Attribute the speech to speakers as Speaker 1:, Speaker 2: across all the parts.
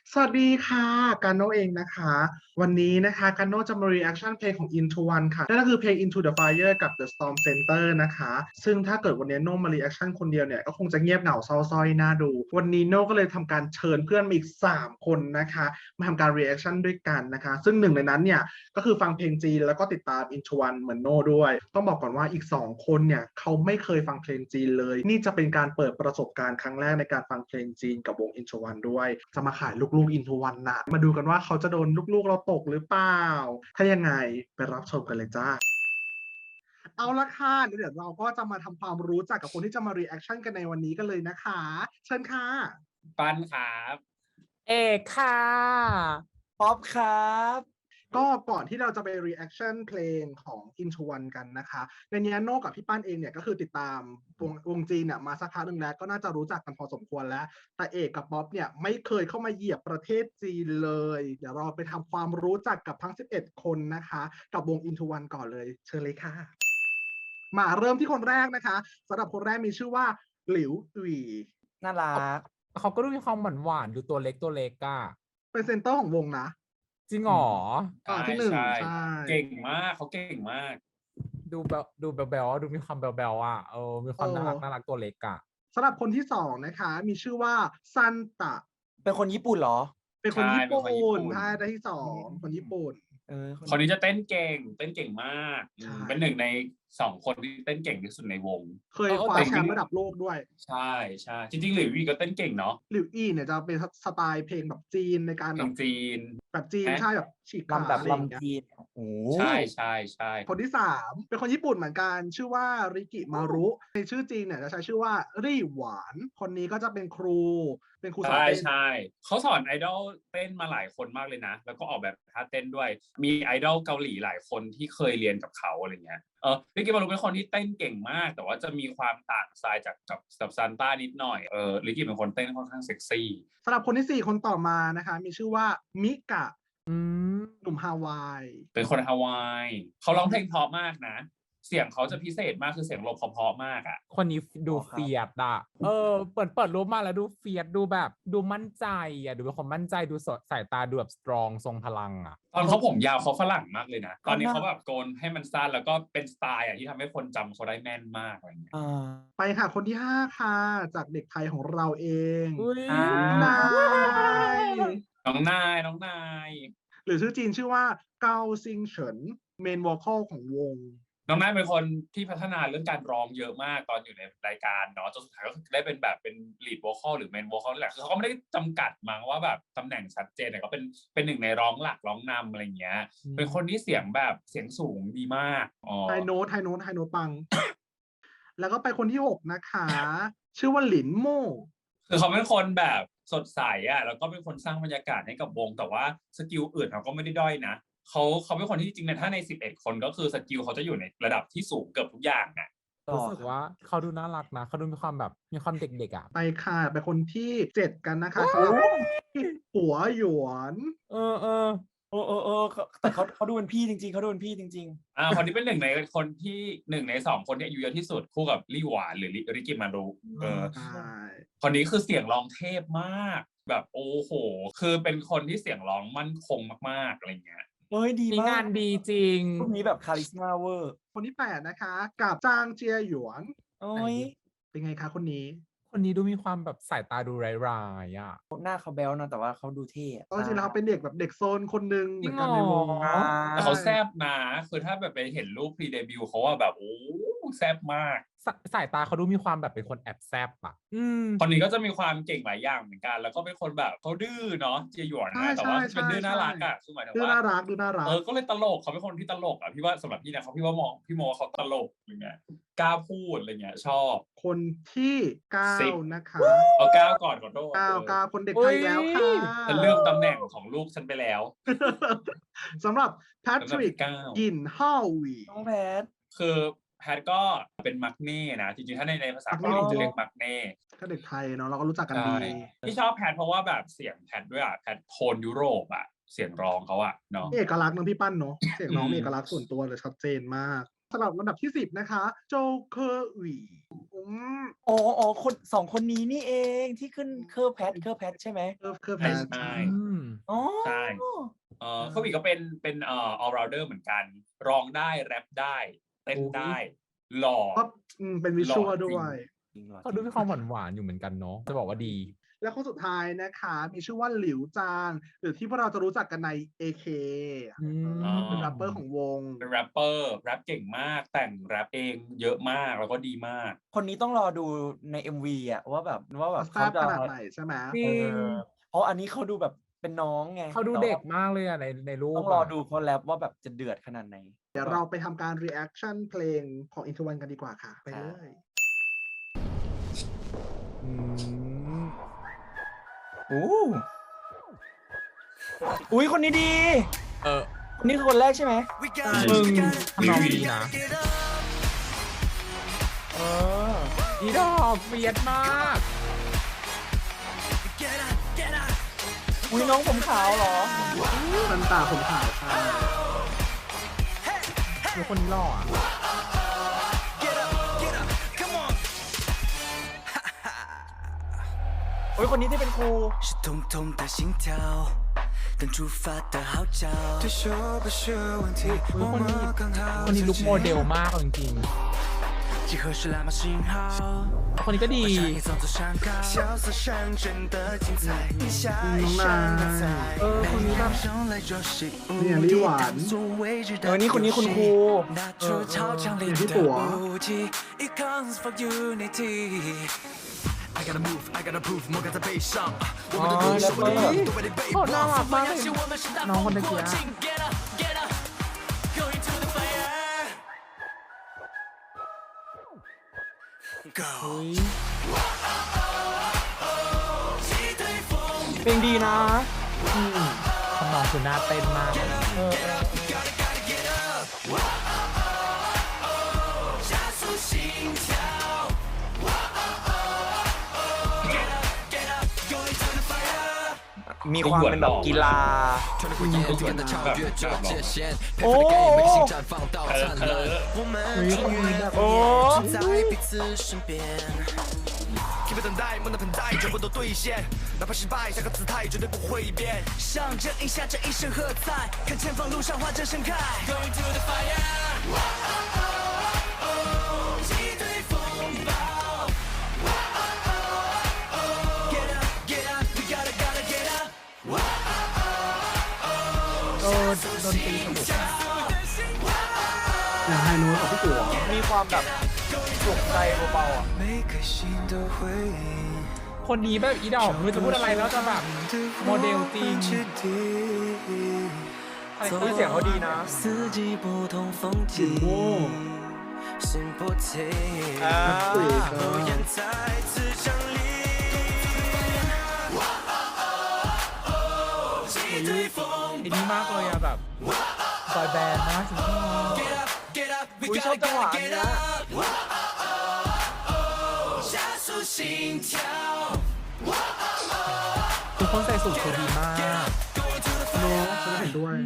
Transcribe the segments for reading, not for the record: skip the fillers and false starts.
Speaker 1: สวัสดีค่ะกันโนเองนะคะวันนี้นะคะกันโนจะมา reaction เพลงของ Into One ค่ะนั่นก็คือเพลง Into the Fire กับ The Storm Center นะคะซึ่งถ้าเกิดวันนี้โนมา reaction คนเดียวเนี่ยก็คงจะเงียบเหงาเศร้าส้อยน่าดูวันนี้โนก็เลยทำการเชิญเพื่อนมาอีก3คนนะคะมาทำการ reaction ด้วยกันนะคะซึ่งหนึ่งในนั้นเนี่ยก็คือฟังเพลงจีนแล้วก็ติดตาม Into One เหมือนโนด้วยต้องบอกก่อนว่าอีก2คนเนี่ยเขาไม่เคยฟังเพลงจีนเลยนี่จะเป็นการเปิดประสบการณ์ครั้งแรกในการฟังเพลงจีนกับวง Into One ด้วยจะมาขายลูกๆ Into One นะมาดูกันว่าเขาจะโดนลูกๆเราตกหรือเปล่าถ้ายังไงไปรับชมกันเลยจ้าเอาละค่ะเดี๋ยวเราก็จะมาทำความรู้จักกับคนที่จะมา reaction กันในวันนี้กันเลยนะคะเชิญค่ะ
Speaker 2: ปันครับ
Speaker 3: เอกค่ะ
Speaker 4: ป๊อปครับ
Speaker 1: ก็ก่อนที่เราจะไป reaction เพลงของ Into One กันนะคะในนี้โน่กับพี่ปั้นเองเนี่ยก็คือติดตามวงจีนเนี่ยมาสักพักหนึ่งแล้วก็น่าจะรู้จักกันพอสมควรแล้วแต่เอกกับป๊อปเนี่ยไม่เคยเข้ามาเหยียบประเทศจีนเลยเดี๋ยวเราไปทำความรู้จักกับทั้ง11คนนะคะกับวง Into One ก่อนเลยเชิญเลยค่ะมาเริ่มที่คนแรกนะคะสำหรับคนแรกมีชื่อว่าหลิวตุย
Speaker 4: น่ารัก
Speaker 3: เขาก็ดูมีความหวานๆดูตัวเล็กอ่ะ
Speaker 1: เป็นเซนเตอร์ของวงนะ
Speaker 3: จริงหรอ
Speaker 1: ที่หนึ่ง
Speaker 2: ใช่เก่งมากเขาเก่งมาก
Speaker 3: ดูแบบดูแบลๆดูมีความแบลๆอ่ะมีความน่ารักตัวเล็กอ่ะ
Speaker 1: สำหรับคนที่สองนะคะมีชื่อว่าซันตะ
Speaker 4: เป็นคนญี่ปุ่นเหรอ
Speaker 1: เป็นคนญี่ปุ่นใช่ได้ที่สองคนญี่ปุ่น
Speaker 2: คนนี้จะเต้นเก่งมากเป็นหนึ่งใน2 คนที่เต้นเก่งที่สุดในวง
Speaker 1: เคยคว้าแชมป์ระดับโลกด้วย
Speaker 2: ใช่จริงๆหลิววี่ก็เต้นเก่งเนาะ
Speaker 1: หลิวอี้เนี่ยจะเป็นสไตล์เพลงแบบจีนในการแบบ
Speaker 2: จีน
Speaker 1: แบบจีนใช่แบบฉีกขา
Speaker 4: แบบลำจีน
Speaker 2: โอ้ใช่
Speaker 1: คนที่3เป็นคนญี่ปุ่นเหมือนกันชื่อว่าริกิมารุในชื่อจีนเนี่ยจะใช้ชื่อว่ารี่หวานคนนี้ก็จะเป็นครูสอนเต้น
Speaker 2: ใช่เขาสอนไอดอลเต้นมาหลายคนมากเลยนะแล้วก็ออกแบบท่าเต้นด้วยมีไอดอลเกาหลีหลายคนที่เคยเรียนกับเขาอะไรเงี้ยริกิมารุเป็นคนที่เต้นเก่งมากแต่ว่าจะมีความต่างสไตล์จากกับซันต้านิดหน่อยริกิเป็นคนเต้นค่อนข้างเซ็กซี่
Speaker 1: สำหรับคนที่4คนต่อมานะคะมีชื่อว่ามิกะหนุ่มฮาวาย
Speaker 2: เป็นคนฮาวายเขาร้องเพลงเพราะมากนะเสียงเขาจะพิเศษมากคือเสียงลมเพราะมากอ่ะ
Speaker 3: คนนี้ดูเฟียดอ่ะเปิดรูปมาแล้วดูเฟียดดูแบบดูมั่นใจอ่ะดูเป็นคนมั่นใจดูสดสายตาดูแบบสตรองทรงพลังอ่ะ
Speaker 2: ตอนเขาผมยาวเขาฝรั่งมากเลยนะตอนนี้เขาแบบโกนให้มันสั้นแล้วก็เป็นสไตล์อ่ะที่ทำให้คนจำเขาได้แม่นมากอะไรเงี้ย
Speaker 1: ไปค่ะคนที่5ค่ะจากเด็กไทยของเราเอง
Speaker 2: น้องนาย
Speaker 1: หรือชื่อจีนชื่อว่าเกาซิงเฉินเมนวอลคอลของวง
Speaker 2: น้องนายเป็นคนที่พัฒนาเรื่องการร้องเยอะมากตอนอยู่ในรายการเนาะจนสุดท้ายก็ได้เป็นแบบเป็นลีดวอลคอลหรือเมนวอลคอลนี่แหละคือเขาก็ไม่ได้จำกัดมั้งว่าแบบตำแหน่งชัดเจนแต่ก็เป็นหนึ่งในร้องหลักร้องนำอะไรเงี้ยเป็นคนที่เสียงแบบเสียงสูงดีมาก
Speaker 1: ไฮโน้ตปัง แล้วก็ไปคนที่6นะคะชื่อว่าหลินโม่
Speaker 2: คือเขาเป็นคนแบบสดใสอ่ะแล้วก็เป็นคนสร้างบรรยากาศให้กับวงแต่ว่าสกิลอื่นเขาก็ไม่ได้ด้อยนะเขาเป็นคนที่จริงๆถ้าใน11 คนก็คือสกิลเขาจะอยู่ในระดับที่สูงเกือบทุกอย่างอ่ะ
Speaker 3: รู้สึกว่าเขาดูน่ารักนะเขาดูมีความแบบมีความเด็กๆอ่ะ
Speaker 1: ไปค่ะไปคนที่7กันนะคะสำหรับหัวหยวน
Speaker 4: แต่เขาดูเป็นพี่จริงๆเขาดูเป็นพี่จริง
Speaker 2: ๆคนนี้เป็นหนึ่งในคนที่1 ใน 2 คนที่อายุเยอะที่สุดคู่กับลี่หวานหรือริกิมารุคนนี้คือเสียงร้องเทพมากแบบโอ้โหคือเป็นคนที่เสียงร้องมั่นคงมากๆอะไรเงี้ย
Speaker 4: ดีมาก
Speaker 3: งานดีจริง
Speaker 4: พวกนี้แบบคาริสมาเวอร์
Speaker 1: คนที่8นะคะกับจางเจียหยวนเป็นไงคะคนนี้
Speaker 3: ดูมีความแบบสายตาดูร้ายๆอ่ะ
Speaker 4: หน้าเขาแบ๊วนะแต่ว่าเขาดูเท่
Speaker 1: จริงแล้วเขาเป็นเด็กแบบเด็กโซนคนนึงเหมือนกันในวง
Speaker 2: แต่เขาแซ่บนะคือถ้าแบบไปเห็นรูปพรีเดบิวต์เขาว่าแบบโอ้แซ่บมาก
Speaker 3: สายตาเขาดูมีความแบบเป็นคนแอบแซบอ่ะ
Speaker 2: คนนี้ก็จะมีความเก่งหลายอย่างเหมือนกันแล้วก็เป็นคนแบบเขาดื้อเนาะเจียหยวนนะแต่ว่าเป็นดื้อน่ารักอ่ะคือหมายถึงว่า
Speaker 1: ดื้อน่ารัก
Speaker 2: ก็เลยตลกเขาเป็นคนที่ตลกอ่ะพี่ว่าสำหรับพี่นะพี่โมเขาตลกอะไรเงี้ยกล้าพูดอะไรเงี้ยชอบ
Speaker 1: คนที่9นะคะ
Speaker 2: เอา9ก่อนขอโทษ
Speaker 1: 9คนเด็กไทยแล้วค่ะ
Speaker 2: ฉันเลือกตำแหน่งของลูกฉันไปแล้ว
Speaker 1: สำหรับแพทริกกินฮาวี
Speaker 4: น้องแพท
Speaker 2: คือแพทก็เป็นมักเน่นะจริงๆถ้าในภาษาเกาหลีจะเรียกมักเน่
Speaker 1: ก็เด็กไทยเนาะเราก็รู้จักกันดี
Speaker 2: ที่ชอบแพทเพราะว่าแบบเสียงแพทด้วยอ่ะแพทโทนยุโรปอ่ะเสียงร้องเขาอ่ะเนาะ
Speaker 1: เอกลักษณ์น้องพี่ปั้นเนาะเสียงน้องเอกลักษณ์ส่วนตัวเลยชัดเจนมากสำหรับลำดับที่ 10 นะคะโจเคอร์หวี
Speaker 4: อ๋อคนสองคนนี้นี่เองที่ขึ้นเคอร์แพทใช่ไหม
Speaker 1: เคอร์แพ
Speaker 2: ใช่
Speaker 1: ท
Speaker 2: ใช่
Speaker 4: อ๋อ
Speaker 2: ใช่เขาอีกก็เป็นall rounder เหมือนกัน ร้องได้แรปได้เต้นได้ หล่อ
Speaker 1: ก็เป็นวิชวลด้วย
Speaker 3: เขาดูมีความหวานๆอยู่เหมือนกันเนาะจะบอกว่าดี
Speaker 1: และคนสุดท้ายนะคะมีชื่อว่าหลิวจางหรือที่พวกเราจะรู้จักกันใน AK เป็นแรปเปอร์ของวง
Speaker 2: เป็นแรปเปอร์แรปเก่งมากแต่งแรปเองเยอะมากแล้วก็ดีมาก
Speaker 4: คนนี้ต้องรอดูใน MV อ่ะว่าแบบ
Speaker 1: แซ่บขนาดไหนใช่ไหม
Speaker 3: จริง
Speaker 4: เพราะอันนี้เขาดูแบบเป็นน้องไง
Speaker 3: เขาดูเด็กมากเลยอะในรูป
Speaker 4: ต้องรอดูเขาแรปว่าแบบจะเดือดขนาดไหน
Speaker 1: เดี๋ยวเราไปทำการ reaction เพลงของ Into One กันดีกว่าค่ะ ไปเลย
Speaker 3: อืม
Speaker 4: อุ้ยคนนี้ดี คนนี้คือคนแรกใช่ไหม
Speaker 3: มึงทำนองดีนะอีดอกเฟียดมาก
Speaker 4: อุ้ยน้องผมขาวเหรอ
Speaker 1: สันตาผมขาวค่ะ
Speaker 3: คือคนนี้หล่ออะ
Speaker 4: โอ้ยคนนี้ที่เป็นครู
Speaker 5: 是痛痛的心跳，等出发的号召。对手不是问题，我们刚好
Speaker 3: คนนี้ลุคโมเดลมากเอาจริง
Speaker 5: 集合是蓝码信号。
Speaker 3: ๆคนนี้ก็ดี
Speaker 5: 把上一层次上高，萧瑟上真的精彩，一下一上的彩。每一秒钟来做习武，
Speaker 1: เนี่ยลิหวาน
Speaker 5: 所未知的
Speaker 4: นี่คนนี้คุณครู
Speaker 5: 拿出超强力的武器，It comes for unity。I gotta move, I gotta prove，莫敢再悲伤。我们的故事，我的梦都被你背
Speaker 3: โคตรน่ารักมากเลย
Speaker 5: 我们是大
Speaker 3: น้องคนตะกี้
Speaker 5: Get up, get up, going to the fire. Go.
Speaker 4: เพลงดีนะ
Speaker 3: ทำนองคือน่าเต้นมาก
Speaker 4: มีความเป็นแบบกีฬา โอ้ โอ้
Speaker 5: 在彼此身边。Keep 等待，梦的盆栽全部都兑现，哪怕失败，下个姿态绝对不会变。上阵一下，这一声喝彩，看前方路上花正盛开。Going to the fire，击退风暴。Get up, get up, we gotta get up。
Speaker 3: ดนตรีสนุก
Speaker 1: อย่างไฮโน้ตของพี่กัว
Speaker 4: มีความแบบปลุกใจเบาๆอ่ะ
Speaker 5: 每颗心都回应。
Speaker 3: คนนี้แบบอีดอกไม่รู้จะพูดอะไรแล้วจะแบบโมเดลจริง
Speaker 4: คาแรคเตอร์เสียงเขาดีนะ
Speaker 5: 四季不同风景，心不停，火焰再次降临。击退风
Speaker 3: ไอ้นี่มากเลยอะแบบบอยแบนด์นะจริง
Speaker 5: ，Get up, get up, we
Speaker 4: อุ้ยชอบ
Speaker 5: gotta
Speaker 4: จังหวะ
Speaker 5: gotta
Speaker 4: อัน
Speaker 5: get
Speaker 4: เนี้ย
Speaker 5: up。加速心跳。
Speaker 3: ทุกคนใส่สูทคือดีมาก
Speaker 1: โน้ตฉันเห็นด้วย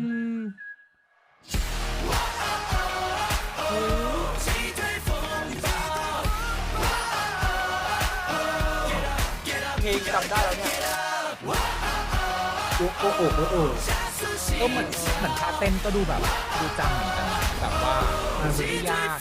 Speaker 4: เพลงจำได้แล้วเนี่ย
Speaker 1: โอ้โอ้
Speaker 3: เหมือนท่าเต้นก็ดูแบบดูจำเหมือนกันนะแบบว่ามันไม่ได้ยาก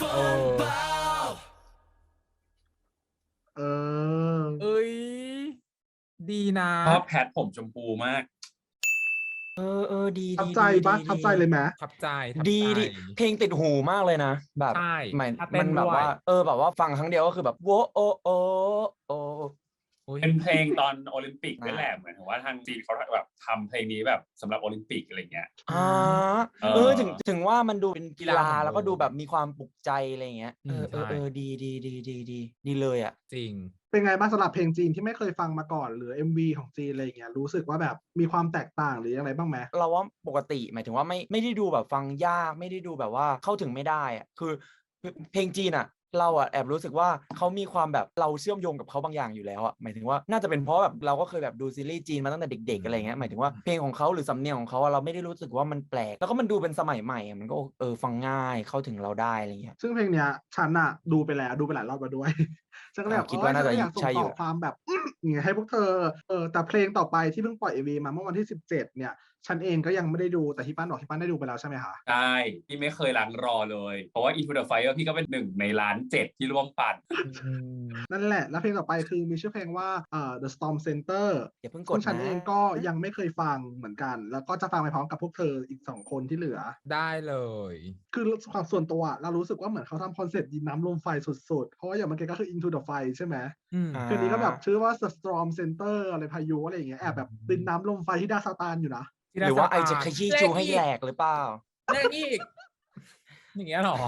Speaker 1: เออ
Speaker 3: เอ้ยดีนะ
Speaker 2: ชอบแพทผมชมพูมาก
Speaker 4: ดี
Speaker 1: ทับใจปะทับใจเลยไหม
Speaker 3: ทับใจทับ
Speaker 4: ดี
Speaker 3: ใจ
Speaker 4: ดีเพลงติดหูมากเลยนะ แบบ
Speaker 3: ใช่
Speaker 4: หมาย
Speaker 3: ถ้าเต้
Speaker 4: มัน นแบบ
Speaker 3: ด้วย
Speaker 4: ว่าแบบว่าฟังครั้งเดียวก็คือแบบโวโอโอโอ
Speaker 3: โอ้ย
Speaker 2: เป็นเพลงตอนโอลิมปิกนี่แหละเหมือนว่าทางจีนเขาแบบทำเพลงนี้แบบสำหรับโอลิมปิกอะไรเงี้ย
Speaker 4: ถึงว่ามันดูเป็นกีฬา
Speaker 3: กีฬาของ
Speaker 4: แล้วก็ดูแบบมีความปลุกใจอะไรอย่างเงี้ย
Speaker 3: ใช่
Speaker 4: ดีเลยอ่ะ
Speaker 3: จริง
Speaker 1: เป็นไงบ้างสำหรับเพลงจีนที่ไม่เคยฟังมาก่อนหรือ MV ของจีนอะไรอย่างเงี้ยรู้สึกว่าแบบมีความแตกต่างหรือยังไงบ้างไหม
Speaker 4: เราว่าปกติหมายถึงว่าไม่ได้ดูแบบฟังยากไม่ได้ดูแบบว่าเข้าถึงไม่ได้อ่ะคือเพลงจีนอ่ะเราอะแอบรู้สึกว่าเขามีความแบบเราเชื่อมโยงกับเขาบางอย่างอยู่แล้วอะหมายถึงว่าน่าจะเป็นเพราะแบบเราก็เคยแบบดูซีรีส์จีนมาตั้งแต่เด็กๆอะไรเงี้ยหมายถึงว่าเพลงของเขาหรือสำเนียงของเขาอะเราไม่ได้รู้สึกว่ามันแปลกแล้วก็มันดูเป็นสมัยใหม่อะมันก็ฟังง่ายเข้าถึงเราได้อะไรเงี้ย
Speaker 1: ซึ่งเพลงเนี้ยฉันอะดูไปแล้วดูไปหลายรอบแล้วด้วย ฉันก็เลยแบบ
Speaker 4: คิดว่าน่าจะ
Speaker 1: ฉัก็อยากส่ง
Speaker 4: ใช่อยู่
Speaker 1: ต่อความแบบอย่างเงี้ยให้พวกเธอแต่เพลงต่อไปที่เพิ่งปล่อย MV มาเมื่อวันที่ 17 เนี่ยฉันเองก็ยังไม่ได้ดูแต่ที่ป้านบอกที่ป้านได้ดูไปแล้วใช่ไหมคะ
Speaker 2: ใช่พี่ไม่เคยล้างรอเลย เพราะว่า Into the Fire พี่ก็เป็น1 ในล้าน 7ที่ร่วมปั่น
Speaker 1: นั่นแหละแล้วเพลงต่อไปคือมีชื่อเพลงว่าThe Storm Center
Speaker 4: อย่าเพิ่งก
Speaker 1: ซึ่
Speaker 4: ด
Speaker 1: งฉัน
Speaker 4: นะ
Speaker 1: เองก็ยังไม่เคยฟังเหมือนกัน แล้วก็จะฟังไปพร้อมกับพวกเธออีก2 คนที่เหลือ
Speaker 3: ได้เลย
Speaker 1: คือความส่วนตัวเรารู้สึกว่าเหมือนเขาทำคอนเซ็ปต์ดินน้ำลมไฟสุดๆ เพราะว่าอย่างเมื่อกี้ก็คือ Into the Fire ใช่ไหม เพลงนี้ก็แบบชื่อว่า The Storm Center อะไรพายุอะไรอย่างเงี้ยแอบแบบดินน้ำลมไฟที่ดาซาตานอยู่นะ
Speaker 4: หรือว่าไอจะขยี้จูให้แหลกหรือเปล่า
Speaker 3: แรกอีก อย่างเงี้ยเหรอ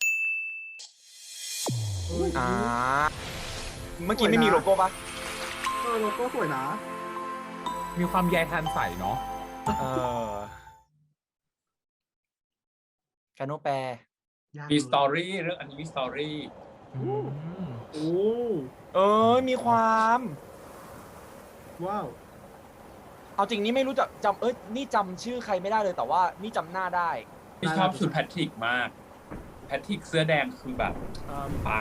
Speaker 4: อ่าเมื่อกี้ไม่มีโลโก้ปะ
Speaker 1: โลโก้สวยนะ
Speaker 3: มีความใยทันใสเนาะ
Speaker 4: กาโนแปล
Speaker 2: มีสตอรี่เรื่องอันนี้มีสตอรี่
Speaker 1: โอ้
Speaker 4: มีความ
Speaker 1: ว้าว
Speaker 4: เอาจริงนี่ไม่รู้จักนี่จำชื่อใครไม่ได้เลยแต่ว่านี่จำหน้าได้
Speaker 2: พี่ชอบชุดแพทริกมาก แพทริกเสื้อแดงคือแบบปัง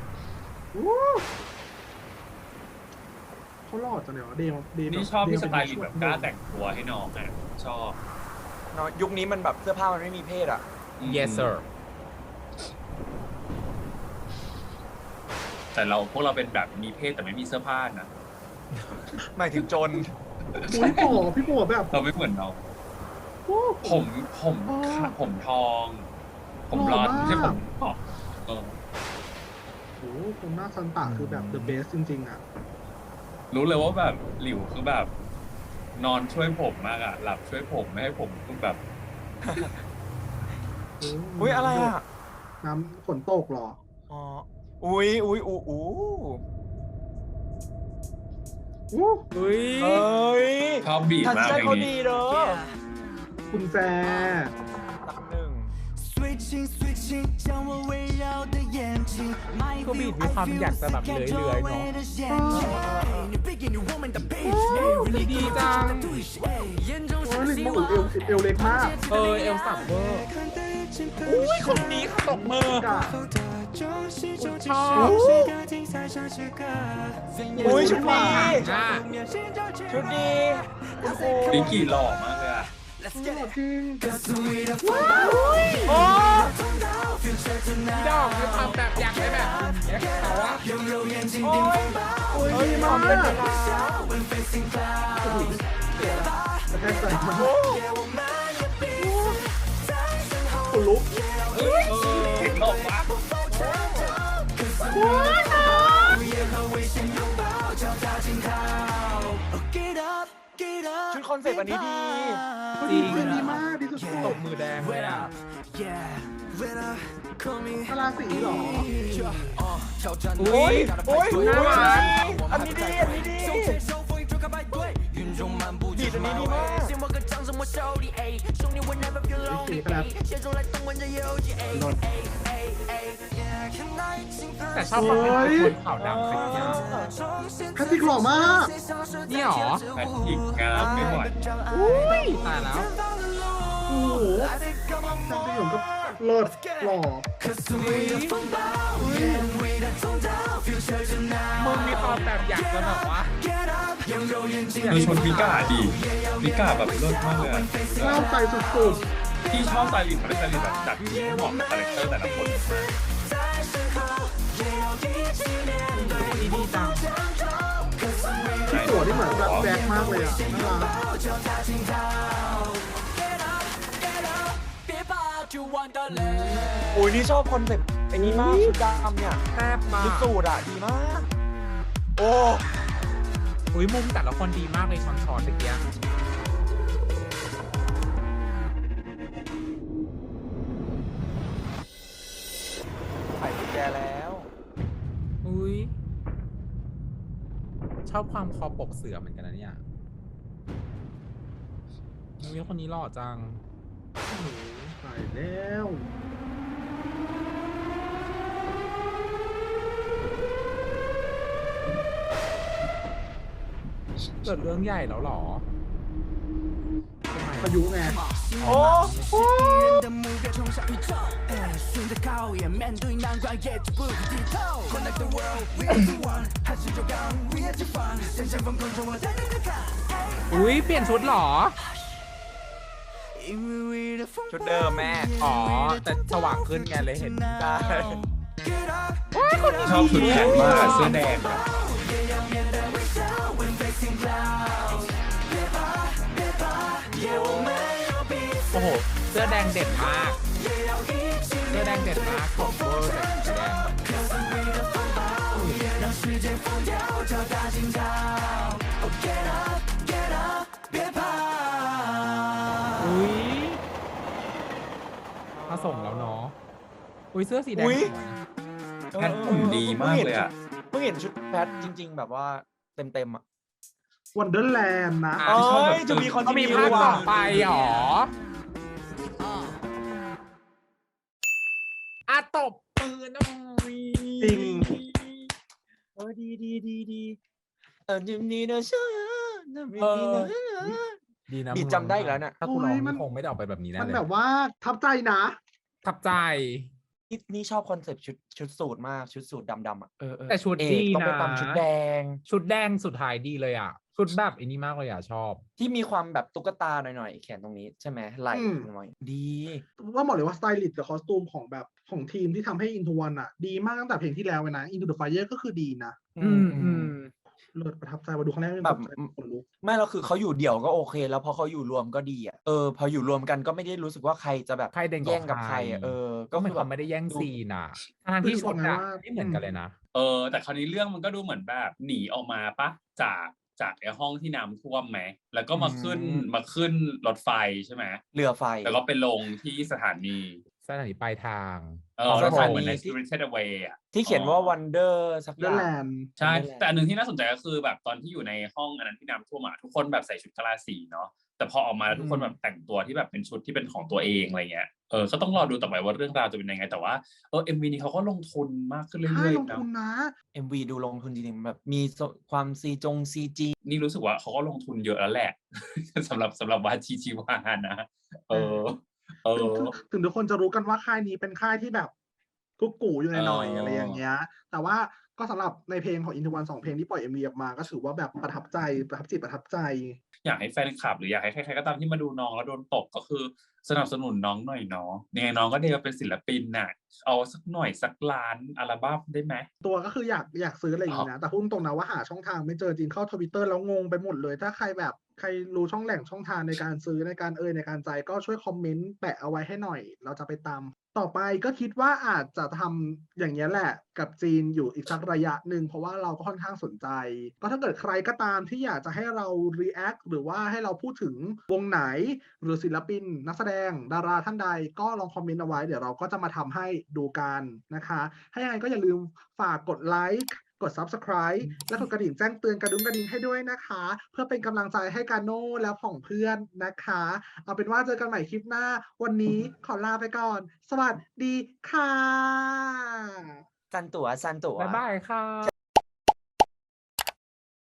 Speaker 1: เขาหล่อจังเลยวะเดม
Speaker 2: นี่ชอบพี่สไตล์ลิงแบบกล้าแต่งตัวให้น้องอ่ะชอบ
Speaker 4: เนาะยุคนี้มันแบบเสื้อผ้ามันไม่มีเพศอ่ะ
Speaker 3: yes sir
Speaker 2: แต่พวกเราเป็นแบบมีเพศแต่ไม่มีเสื้อผ้านะ
Speaker 4: หมายถึงจน
Speaker 1: พี่โป๋แบบ
Speaker 2: เราไม่เหมือนเรา
Speaker 1: โอ้
Speaker 2: ผมทอง ผมบลอนด์ไม่ใช่ผมทอง
Speaker 1: โหคนหน้าซันตะคือแบบ the best จริงๆอ่ะ
Speaker 2: รู้เลยว่าแบบหลิวคือแบบ นอนช่วยผมมากอ่ะหลับช่วยผมไม่ให้ผมคือแบบ
Speaker 4: อุ้ยอะไรอ่ะ
Speaker 1: น้ำฝนตกเหรอ
Speaker 4: อ๋อ อุ้ย
Speaker 1: อู้
Speaker 3: อุ้ย
Speaker 4: เฮ้ย
Speaker 2: ชอบบีบ
Speaker 4: ทัน
Speaker 2: มาก
Speaker 4: ใจ
Speaker 2: เพล
Speaker 4: เขา
Speaker 2: ง
Speaker 4: ดี
Speaker 2: นี้
Speaker 4: เด้อ
Speaker 1: คุณแจ
Speaker 4: ตักหนึ่ง
Speaker 3: ก็บีดมีความอยากจะแบบเลื้อยๆเนาะดีจัง
Speaker 1: โอ้ยลิงมาอุ๋เอวเล็กมาก
Speaker 3: เอลสับเวอร์อุ้ยคนนี้ตบมือ
Speaker 1: กะ
Speaker 3: ชอบ
Speaker 4: อุ้ยชุดดี
Speaker 3: อ่ะ
Speaker 4: ชุดดีคุณครู
Speaker 2: ลิงกี่หล่อมากเลยอ่ะ
Speaker 1: จริง
Speaker 4: โอ้
Speaker 3: ดอกมีความแบบอยากได้แบบเอ็กซ์เขาอะ
Speaker 4: โอ้ย
Speaker 1: ดีมากกระแทกใจมากคนลุก
Speaker 2: เห็นหล่อมาก
Speaker 4: ชุดคอนเซ็ปต์อันนี้ดี
Speaker 3: จริง
Speaker 1: ดีมากดีสุด
Speaker 3: ตบมือแดงเลยอ่ะ
Speaker 1: ๆพลาสีเหรอ
Speaker 3: อุ้ย
Speaker 4: โอ้ย
Speaker 3: น่ารัก
Speaker 4: อันนี้ดีบีดอันนี้ดีมาก
Speaker 1: สีครับนน
Speaker 3: แต่ชอบความเป็นคนขาวดำขยี้
Speaker 1: แพทริกหล่อมาก
Speaker 3: นี่หรอ
Speaker 2: แพทริกงามไม่ไหว
Speaker 3: อุ้ยตายแล้ว
Speaker 1: โอ้โหแพทริกผมก็เลิศหล่อ
Speaker 3: มึงมีความแบบอยากจะแบบว่า
Speaker 2: คือชุดมิก้าดีมิก้าแบบเลิศมากเลยอะ
Speaker 1: เล่าใจสุด
Speaker 2: ที่ชอบสไตลิสต์เขาได้สไตลิสต์แบบจัดที่เหมาะกับคาแรคเตอร์แต่ละคน
Speaker 3: ดีจัง
Speaker 1: ๆที่ตัวที่เหมือนแบบแบกมากเลยอ่ะน่ารัก
Speaker 4: อุ้ยนี่ชอบคอนเซ็ปต์ไอ้นี้มากชุดดำเนี่ย
Speaker 3: แทบมา
Speaker 4: ชุดสูทอ่ะดีมาก โอ้
Speaker 3: อุ้ยมุมแต่ละคนดีมากเลยช้อนๆตะเกียบ
Speaker 4: ไข่กุญแจแล้ว
Speaker 3: อุ้ยชอบความคอปกเสือเหมือนกันนะเนี่ยอุ้ยคนนี้หล่อจัง
Speaker 1: โอ้โหตายแล้ว
Speaker 3: เกิดเรื่องใหญ่แล้วเหรอ
Speaker 1: พายุไง
Speaker 4: โอ้
Speaker 5: 人的目标冲向宇宙，顺着考验，面对难关也绝不低头。Connect the world, we are the one，还是就刚 we are the fun，向前疯狂冲我带你的看。
Speaker 3: อุ้ยเปลี่ยนชุดเหรอ
Speaker 5: 因为 we the fun，
Speaker 4: ชุดเดิมแม่
Speaker 3: อ๋อ แต่สว่างขึ้นไงเลยเห็น
Speaker 4: ได้
Speaker 5: Get up，
Speaker 2: ชอบชุดแขนมากเสื้อแดงอะ
Speaker 5: 也要面对微笑，when facing clouds。别怕，别怕，也我们有彼此
Speaker 3: โอ้โห เสื้อแดงเด่นมาก
Speaker 5: 也要一起
Speaker 3: เสื้อแดงเด่นมากของเวอร์แต่สีแดง
Speaker 5: Cause we the fun ball，也让世界疯掉，找大惊涛。Oh get up, get up，别怕。
Speaker 3: อุ้ยมาส่งแล้วเนาะ อุ้ยเสื้อสีแดง
Speaker 4: อุ๊ย
Speaker 3: สวย
Speaker 2: แพทหุ่นดีมากเลยอะ
Speaker 4: เพิ่งเห็นชุดแพทจริง ๆ แบบว่าเต็มๆอ่ะ
Speaker 1: วันเดอร์แลนด์นะ
Speaker 2: อ่ะ
Speaker 4: เอ้
Speaker 2: ชอบแบบ
Speaker 4: ยจะมีคอน
Speaker 3: ก็
Speaker 4: ติ
Speaker 3: มี
Speaker 4: เนีย
Speaker 3: ภาค
Speaker 4: ว่ะ
Speaker 3: ต่อไปเหรออะตบปืนนะวี
Speaker 1: จริง
Speaker 4: เออดีจิมนี่นะเชื่อนะ
Speaker 3: ดีนะ
Speaker 4: บีดจำได้อีกแล้วเนี่ย
Speaker 3: ถ้าคุณร้อง
Speaker 1: โอ้ยมัน
Speaker 3: คงไม่ได้ออกไปแบบนี้แน่
Speaker 1: มัน
Speaker 3: เลย
Speaker 1: แบบว่าทับใจนะ
Speaker 3: ทับใจ
Speaker 4: นี่ชอบคอนเซ็ปต์ชุดสูทมากชุดสูทดำๆอ่ะเออ
Speaker 3: แต่ชุด
Speaker 4: เอก
Speaker 3: ดี
Speaker 4: ต้องไป
Speaker 3: นะ
Speaker 4: ตามชุดแดง
Speaker 3: ชุดแดงสุดท้ายดีเลยอ่ะ ชุดแบบอันนี้มากเลยอ่ะ ชอบ
Speaker 4: ที่มีความแบบตุ๊กตาหน่อยๆแขนตรงนี้ใช่ไหมไหล่
Speaker 1: อืม
Speaker 4: หน่อยดี
Speaker 1: ว่าบอกเลยว่าสไตลิสต์กับคอสตูมของแบบของทีมที่ทำให้ Into One อ่ะ ดีมากตั้งแต่เพลงที่แล้วเลยนะ Into the Fire ก็คือดีนะ เลิศประทับใจมาดูครั้งแรก
Speaker 4: แบบ
Speaker 1: คนลุก
Speaker 4: ไม่แล้วคือเขาอยู่เดี่ยวก็โอเค แล้วพอเขาอยู่รวมก็ดีอ่ะพออยู่รวมกันก็ไม่ได้รู้สึกว่าใครจะแบบ
Speaker 3: ใครเด่นกว่า
Speaker 4: แย่งกับใครอ่ะ
Speaker 3: ใคร
Speaker 4: ก็
Speaker 3: ก็เหมื
Speaker 4: คือ อน แบ
Speaker 3: เขา
Speaker 4: บ
Speaker 3: ไม่ได้แย่ง
Speaker 4: ดู
Speaker 3: ซีนอ่ะทางที่ชุดอ่ะไม่เหมือนกันเลยนะ
Speaker 2: แต่คราวนี้เรื่องมันก็ดูเหมือนแบบหนีออกมาปะจากไอ้ห้องที่น้ำท่วมไหมแล้วก็มาขึ้นรถไฟใช่ไหม
Speaker 4: เรือไฟ
Speaker 2: แล้วก็ไปลงที่สถานี
Speaker 3: สถานีปลายทาง
Speaker 2: รถไฟ
Speaker 4: สถานี
Speaker 2: เหมือนใน Spirited Away อ่ะ
Speaker 4: ที่เขียนว่า Wonder สักอ
Speaker 1: เดอย่าง ร์แลนด์
Speaker 2: ใช่
Speaker 4: Wonderland
Speaker 2: แต่อันหนึ่งที่น่าสนใจก็คือแบบตอนที่อยู่ในห้องอันนั้นที่น้ำท่วมอ่ะทุกคนแบบใส่ชุดกะลาสีเนาะแต่พอออกมาแล้วทุกคนแบบแต่งตัวที่แบบเป็นชุดที่เป็นของตัวเองอะไรเงี้ยก็ต้องรอดูต่อไปว่าเรื่องราวจะเป็นยังไงแต่ว่าMV นี้เขาก็ลงทุนมากขึ้นเรื่
Speaker 1: ใช่
Speaker 2: อย
Speaker 1: ลง
Speaker 2: ๆเนาะ
Speaker 1: ทุนนะ
Speaker 4: MV ดูลงทุนจริงๆแบบมีความCG
Speaker 2: นี่รู้สึกว่าเขาก็ลงทุนเยอะแล้วแหละ สำหรับวาชีชีวานะ
Speaker 1: ถึงทุกคนจะรู้กันว่าค่ายนี้เป็นค่ายที่แบบกุ๊กกูอยู่หน่อยๆอะไรอย่างเงี้ย แต่ว่าก็สำหรับในเพลงของ Into One 2 เพลงที่ปล่อย MV ออกมาก็ถือว่าแบบประทับใจประทับใจ
Speaker 2: อยากให้แฟนคลับหรืออยากให้ใครๆก็ตามที่มาดูน้องแล้วโดนตกก็คือสนับสนุนน้องหน่อยเนาะยังไงน้องก็ได้เป็นศิลปินน่ะเอาสักหน่อยสักล้านอัลบั้มได้ไหม
Speaker 1: ตัวก็คืออยากซื้ออะไรอย่างนี้นะ แต่พูดตรงๆนะว่าหาช่องทางไม่เจอจริงเข้า Twitter แล้วงงไปหมดเลย ถ้าใครรู้ช่องทางในการซื้อในการใจก็ช่วยคอมเมนต์แปะเอาไว้ให้หน่อย เราจะไปตาม ต่อไปก็คิดว่าอาจจะทำอย่างนี้ยแหละกับจีนอยู่อีกสักระยะหนึ่งเพราะว่าเราก็ค่อนข้างสนใจ ก็ถ้าเกิดใครก็ตามที่อยากจะให้เรา react หรือว่าให้เราพูดถึงวงไหนหรือศิลปินนักแสดงดาราท่านใดก็ลองคอมเมนต์เอาไว้เดี๋ยวเราก็จะมาทำให้ดูกันนะคะถ้ายังไงก็อย่าลืมฝากกดไลค์กด Subscribe และกดกระดิ่งแจ้งเตือนกระดิ่งให้ด้วยนะคะ เพื่อเป็นกำลังใจให้กาโน่และผองเพื่อนนะคะ เอาเป็นว่าเจอกันใหม่คลิปหน้า วันนี้ขอลาไปก่อน สวัสดีค่ะ
Speaker 4: ซันตั๋ว
Speaker 3: บ๊ายบายค่ะ